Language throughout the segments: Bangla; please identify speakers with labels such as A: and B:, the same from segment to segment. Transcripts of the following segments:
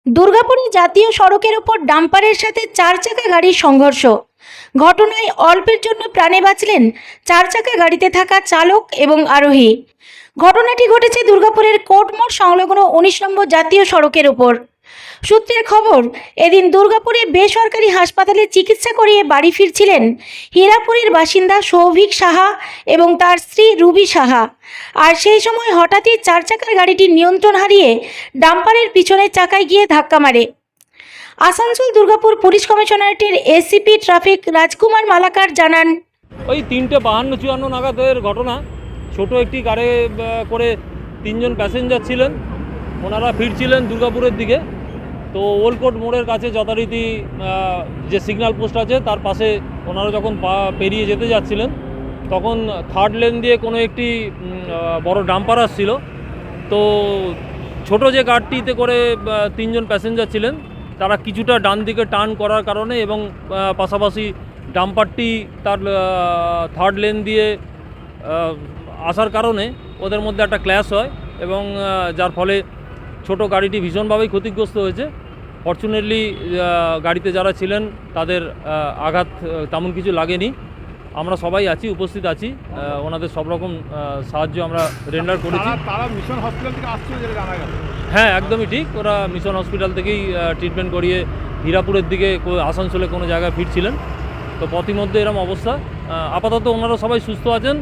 A: দুর্গাপুরে জাতীয় সড়কের উপর ডাম্পারের সাথে চার চাকা গাড়ির সংঘর্ষ। ঘটনায় অল্পের জন্য প্রাণে বাঁচলেন চার চাকা গাড়িতে থাকা চালক এবং আরোহী। ঘটনাটি ঘটেছে দুর্গাপুরের কোর্টমোড় সংলগ্ন 19 নম্বর জাতীয় সড়কের উপর। সূত্রের খবর, এদিন দুর্গাপুরে বেসরকারি হাসপাতালে চিকিৎসা করিয়ে বাড়ি ফিরছিলেন হীরাপুরের বাসিন্দা সৌভিক সাহা এবং তার স্ত্রী রুবি সাহা। আর সেই সময় হঠাৎই চার চাকার গাড়িটি নিয়ন্ত্রণ হারিয়ে ডাম্পারের পিছনের চাকায় গিয়ে ধাক্কা মারে। আসানসোল দুর্গাপুর পুলিশ কমিশনারেটের এসিপি ট্রাফিক রাজকুমার মালাকার জানান,
B: ওই 3:52-54 নাগাদের ঘটনা। ছোট একটি গাড়ি করে 3 জন প্যাসেঞ্জার ছিলেন, ওনারা ফিরছিলেন দুর্গাপুরের দিকে। তো ওল্ডকোর্ট মোড়ের কাছে যথারীতি যে সিগন্যাল পোস্ট আছে তার পাশে ওনারা যখন পেরিয়ে যেতে যাচ্ছিলেন, তখন থার্ড লেন দিয়ে কোনো একটি বড় ডাম্পার আসছিল। তো ছোট যে গাড়িটিতে করে 3 জন প্যাসেঞ্জার ছিলেন, তারা কিছুটা ডান দিকে টার্ন করার কারণে এবং পাশাপাশি ডাম্পারটি তার থার্ড লেন দিয়ে আসার কারণে ওদের মধ্যে একটা ক্ল্যাশ হয় এবং যার ফলে ছোট গাড়িটি ভীষণভাবেই ক্ষতিগ্রস্ত হয়েছে। ফরচুনেটলি গাড়িতে যারা ছিলেন তাদের আঘাত তেমন কিছু লাগেনি। আমরা সবাই আছি, উপস্থিত আছি, ওনাদের সব রকম সাহায্য আমরা রেন্ডার করেছি।
C: তারা মিশন হসপিটাল থেকে আসছিল যেটা জানা গেল।
B: হ্যাঁ, একদমই ঠিক। ওরা মিশন হসপিটাল থেকেই ট্রিটমেন্ট করিয়ে হীরাপুরের দিকে আসানসোলে কোনো জায়গায় ফিরছিলেন। তো পথিমধ্যে এরকম অবস্থা। আপাতত ওনারা সবাই সুস্থ আছেন,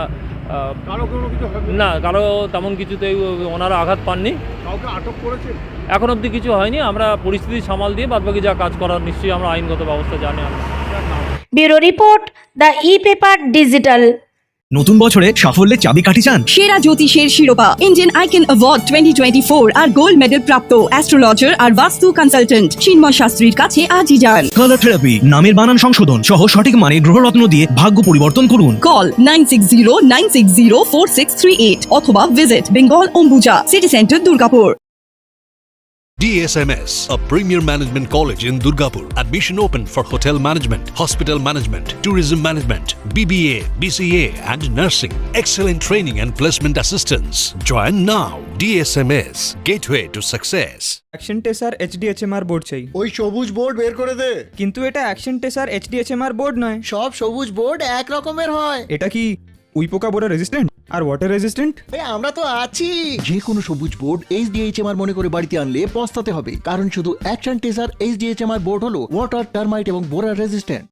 B: না কারো তেমন কিছুতেই ওনারা আঘাত পাননি।
C: কাউকে আটক করেছে
B: এখন অবধি কিছু হয়নি। আমরা পরিস্থিতি সামাল দিয়ে বাদবাকি যা কাজ করার নিশ্চয়ই আমরা আইনগত ব্যবস্থা জানি।
A: Bureau report, the e-paper digital.
D: নতুন বছরে সাফল্যের চাবিকাঠি চান?
E: সেরা জ্যোতিষের শিরোপা ইন্ডিয়ান আইকন অ্যাওয়ার্ড 2024 আর গোল্ড মেডেল প্রাপ্ত অ্যাস্ট্রোলজার আর বাস্তু কনসালটেন্ট চিন্ময় শাস্ত্রীর কাছে আজই যান।
D: কালার থেরাপি, নামের বানান সংশোধন সহ সঠিক মানের গ্রহরত্ন দিয়ে ভাগ্য পরিবর্তন করুন।
E: কল 9609604638 অথবা visit Bengal Ambuja city centre Durgapur.
F: DSMS, a premier management college in Durgapur. Admission open for hotel management, hospital management, tourism management, BBA, BCA and nursing. Excellent training and placement assistance. Join now. DSMS, gateway to success.
G: Action Tesa HDHMR board চাই।
H: ওই সবুজ বোর্ড বের করে দে।
G: কিন্তু এটা অ্যাকশন টেসার HDHMR বোর্ড নয়।
H: সব সবুজ বোর্ড এক রকমের হয়।
G: এটা কি উইপোকা বোর্ডে রেজিস্ট্যান্ট আর ওয়াটার রেজিস্ট্যান্ট?
H: আমরা তো আছি। যে কোনো সবুজ বোর্ড HDHMR মনে করে বাড়িতে আনলে পস্তাতে হবে, কারণ শুধু অ্যাকশন টেসার HDHMR বোর্ড হলো ওয়াটার, টার্মাইট এবং বোরার রেজিস্ট্যান্ট।